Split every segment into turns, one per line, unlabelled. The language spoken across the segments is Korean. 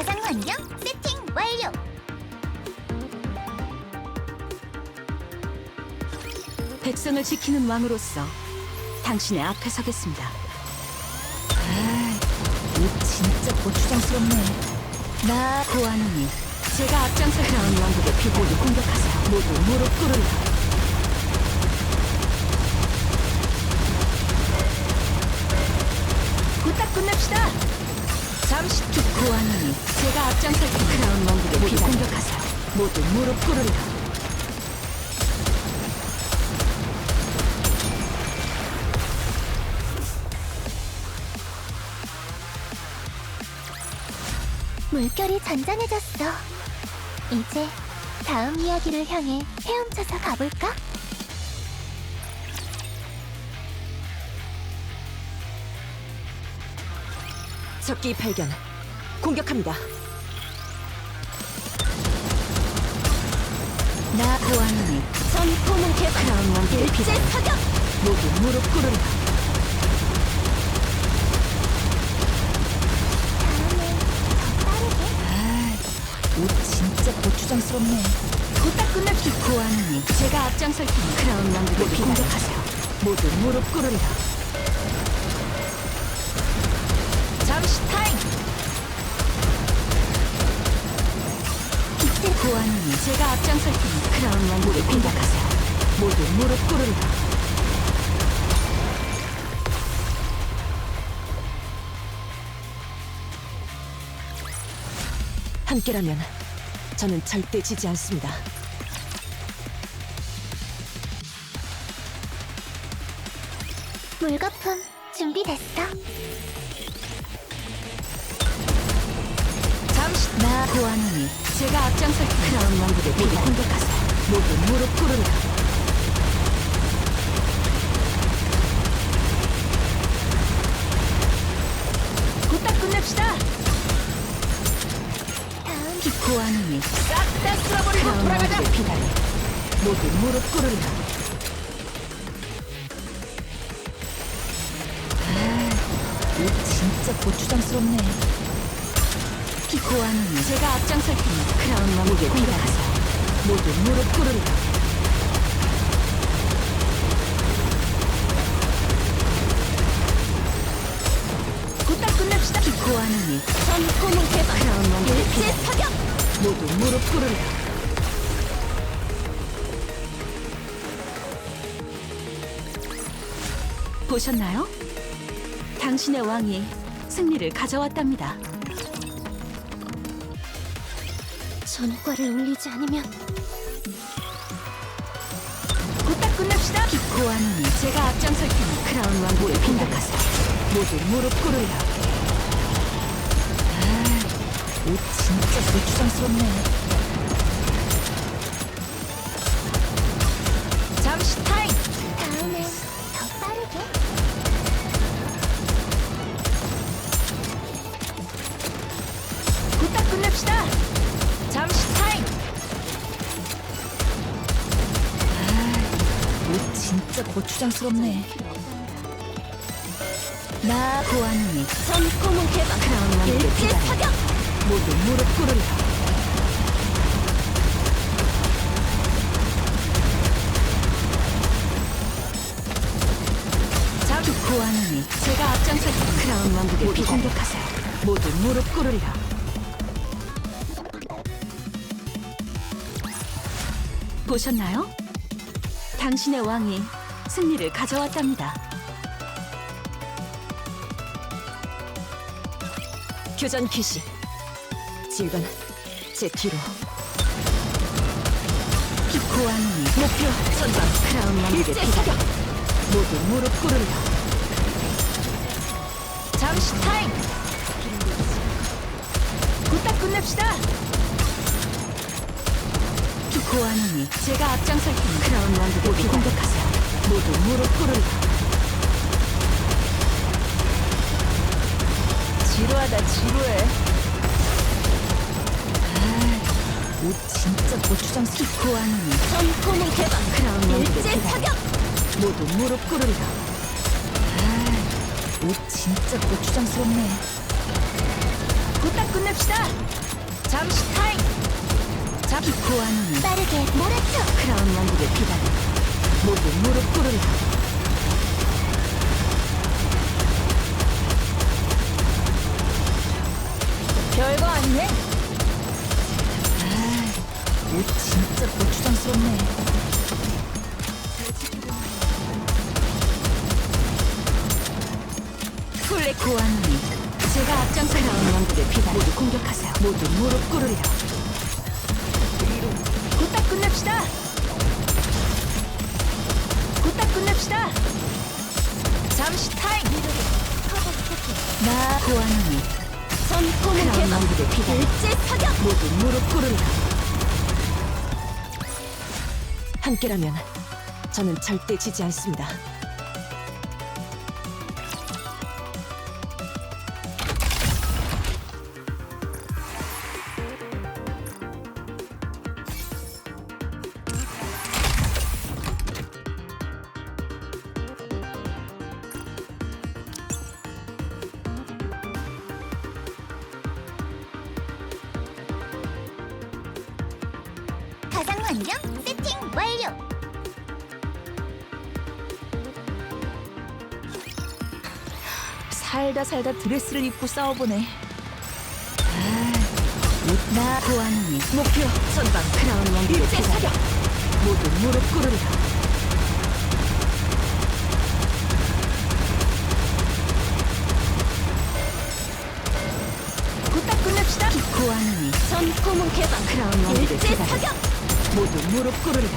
가상 환경 세팅 완료.
백성을 지키는 왕으로서 당신의 앞에 서겠습니다.
옷 진짜 고추장스럽네.
나 고아노니 제가 앞장서 크라운 왕국의 피고를 공격하세요. 모두 무릎 꿇으라. 후딱 끝냅시다. 잠시 고아노니 제가 앞장서 크라운 왕국의 피고를 공격하세요. 모두 무릎 꿇으라.
물결이 잔잔해졌어. 이제 다음 이야기를 향해 헤엄쳐서 가볼까?
적기 발견. 공격합니다.
나 고아노니
전포문 개발
크라운 왕국의
일제
피고를
사격.
모두 무릎 꿇으라.
다음엔 더 빠르게.
옷 진짜 고추장스럽네.
후딱 끝냅시다. 고아노니 제가 앞장설 테니 크라운 왕국의 피고를 공격하세요. 모두 무릎 꿇으라. 잠시 타임. 기대 고아노니 제가 앞장설 테니 크라운 왕국의 공격하세요. 모두 무릎 꿇으라.
함께라면 저는 절대 지지 않습니다.
물거품 준비됐어.
잠시 나 고아노니 제가 앞장설 테니 크라운 왕국의 피고를 공격하세요. 모두 무릎 꿇으라. 후딱 끝냅시다.
다음
고아노니 싹 다 쓸어버리고 돌아가자. 피다리 모두 무릎 꿇으라.
옷 진짜 고추장스럽네.
고아노니 제가 앞장설 테니 크라운 왕국의 공격하세요. 모두 무릎 꿇으라. 후딱 끝냅시다. 고아노니
전포문 개발
크라운 왕국의
일제
피다리
사격.
모두 무릎 꿇으라. 보셨나요? 당신의 왕이 승리를 가져왔답니다.
전과를 울리지 않으면
후딱 끝냅시다. 고아노니 제가 앞장설 테니 크라운 왕국을 공격하세요. 모두 무릎 꿇으라.
옷 진짜 고추장스럽네.
잠시 타임.
다음엔 더 빠르게.
후딱 끝냅시다. 잠시 타임.
옷 진짜 고추장스럽네.
나 고아노니
전포문 개발
크라운 왕국의
일제
피다리
사격.
모두 무릎 꿇으라. 잠시 고아노니 제가 앞장설 테니 크라운 왕국의 피다리 공격하세요. 모두 무릎 꿇으라. 보셨나요? 당신의 왕이 승리를 가져왔답니다.
교전 기시. 질관 제 뒤로.
고아노니 목표 전방 크라운 왕국의
일제
피다리
사격.
모두 무릎 꿇으라. 잠시 타임. 후딱 끝냅시다. 고아노니 제가 앞장설 테니 크라운 왕국의 피다리 공격하세요. 모두 무릎 꿇으라. 지루하다 지루해.
옷 진짜 고추장스럽.
고아노니
전포문 개방
크라운 왕국의
일제
피다리
사격.
모두 무릎 꿇으라.
옷 진짜 고추장스럽네.
후딱 끝냅시다. 끝냅시다. 잠시 타임. 기코하노니
빠르게 몰아쳐.
크라운 왕국의 비단 모두 무릎 꿇으라. 별거 아니네. 옷 진짜 고추장스럽네. 플레 고아노니 제가 앞장서 크라운 왕국의 비단 모두 공격하세요. 모두 무릎 꿇으리라. 곧다 끝냅시다. 곧다 끝냅시다. 잠시 타임. 나 고아노니
전포문
크라운
개방.
왕국의 비단
일제 사격.
모두 무릎 꿇으리라.
함께라면 저는 절대 지지 않습니다.
가상 환경 세팅 완료.
살다 드레스를 입고 싸워보네. 나 고아노니 목표 선방 크라운 왕국의
일제
비단
사격.
모두 무릎 꿇으리라. 곧다 끝냅시다. 고아노니
전포문 개방.
크라운 왕국의
일제
비단
사격.
모두 무릎 꿇으리라.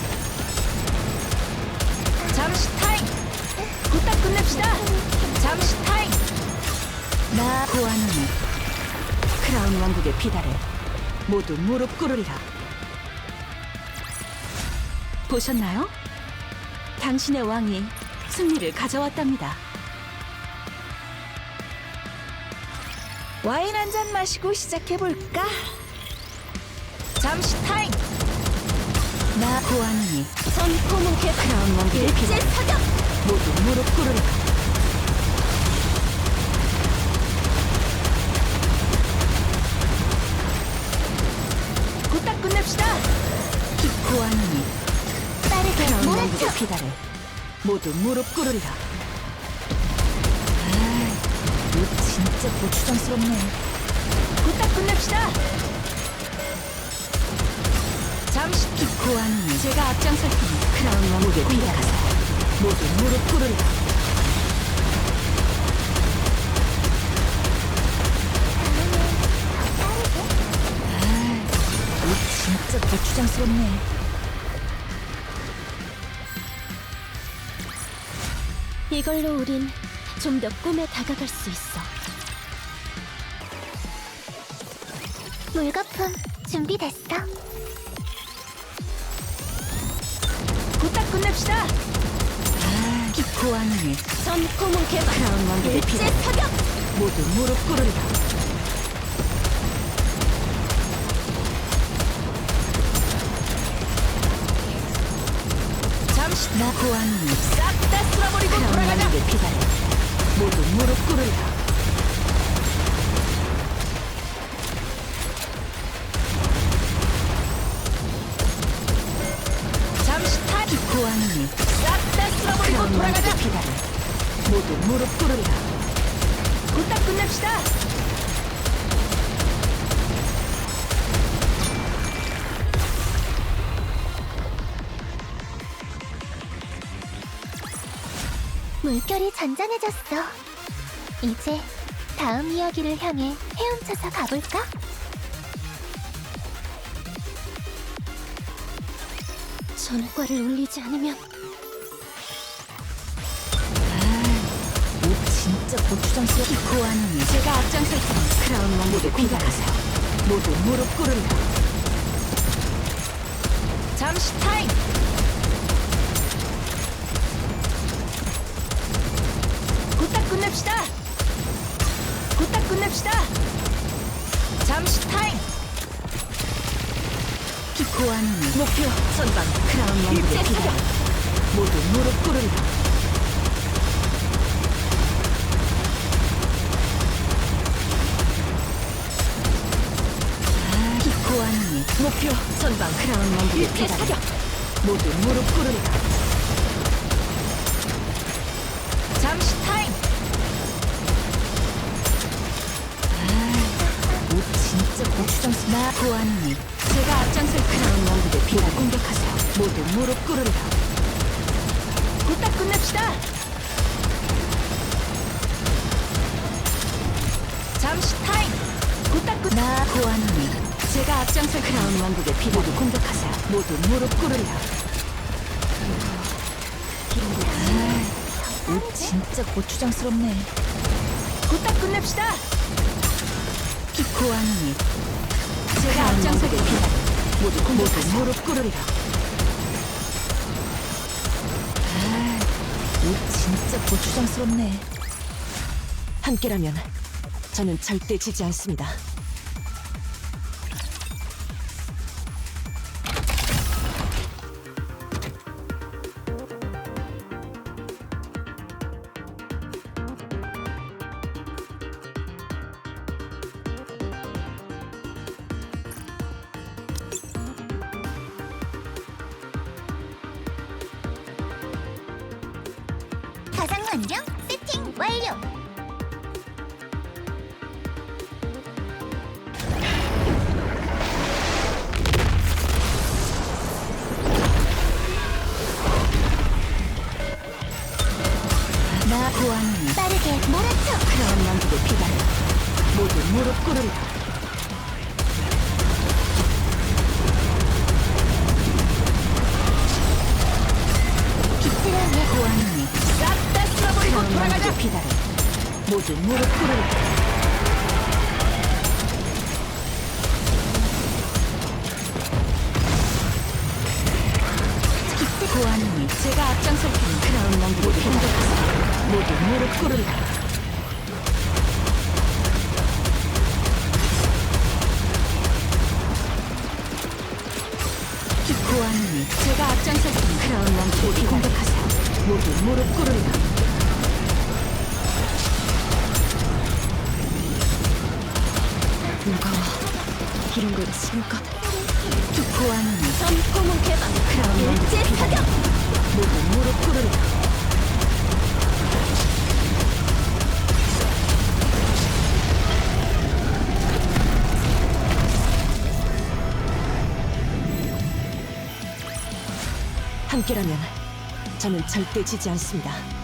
잠시 타임. 곧다 끝냅시다. 잠시 타임. 나 고아노니 크라운 왕국의 비달에 모두 무릎 꿇으리라. 보셨나요? 당신의 왕이 승리를 가져왔답니다. 와인 한 잔 마시고 시작해볼까? 잠시 타임. 나 고아노니
전포문 개방.
크라운 왕국의
일제
비달에
사격.
모두 무릎 꿇으리라. 곧다 끝냅시다. 기코하노니
빠르게
크라운
몰아쳐.
왕국의 비달에 모두 무릎 꿇으리라. 옷 진짜 고추장스럽네. 곧다 끝냅시다. 잠시 기코하노니 제가 앞장설 테니 크라운 왕국의 비달에 모두 무릎 꿇으리라. 옷 진짜 고추장스럽네.
이걸로 우린 좀 더 꿈에 다가갈 수 있어. 물거품 준비됐어.
곧다 끝냅시다. 기코하노니
전포문 개방.
크라운 왕국의
일제
비달에
사격.
모두 무릎 꿇으리라. 잠시 나 고아노니 싹 다 쓸어버리고 돌아가자. 왕국의 비달에 모두 무릎 꿇으리라. 잠시 타 기코하노니 싹 다 쓸어버리고 돌아가자. 비달에 모두 무릎 꿇으리라. 곧다 끝냅시다.
물결이 잔잔해졌어. 이제 다음 이야기를 향해 헤엄쳐서 가볼까? 전과를 올리지 않으면
옷 진짜 고추장스럽. 기코하노니 제가 앞장설 테니 크라운 왕국의 공격하세요. 모두 무릎 꿇으리라. 잠시 타임. 곧다 끝냅시다. 곧다 끝냅시다. 잠시 타임. 기코하노니 목표 선방 크라운 왕국의
일제
비단
사격.
모두 무릎 꿇으리라.
목표 전방 크라운 왕국의
일제
비단.
사격!
모두 무릎 꿇으리라.
잠시 타임!
옷 진짜 고추장스.
나 보아하니 제가 앞장설
크라운 왕국의 비단 공격하세요. 모두 무릎 꿇으리라.
곧다 끝냅시다! 잠시 타임! 곧다 끝... 나 보아하니 제가 앞장설
크라운 왕국의 비단 공격하세요. 모두 무릎 꿇으리라.
옷 진짜 고추장스럽네. 곧다 끝냅시다!
고아노니
제가 앞장설
비단 모두 무릎 꿇으리라.
옷 진짜 고추장스럽네.
함께라면 저는 절대 지지 않습니다.
가상 환경 세팅 완료.
나 보아하니
빠르게 몰아쳐.
크라운 왕국의 비단 모두 무릎 꿇으리라.
빛을 향해
보아하니 싹 다 쓸어버리고
크라운
돌아가자!
왕국의 비단 모두 무릎 꿇으리라.
보아하니 제가 앞장설 테니
크라운 왕국의 비단 모두 무릎 꿇으리라.
보아하니 제가 앞장설 테니
크라운 왕국의 비단
공격하세요.
모두 무릎 꿇으리라. 누가 와 이런 걸 쓸까?
보아하니
전포문 개방.
크라운 왕국의
일제
비단
사격!
모두 무릎 꿇으리라. 함께라면 저는 절대 지지 않습니다.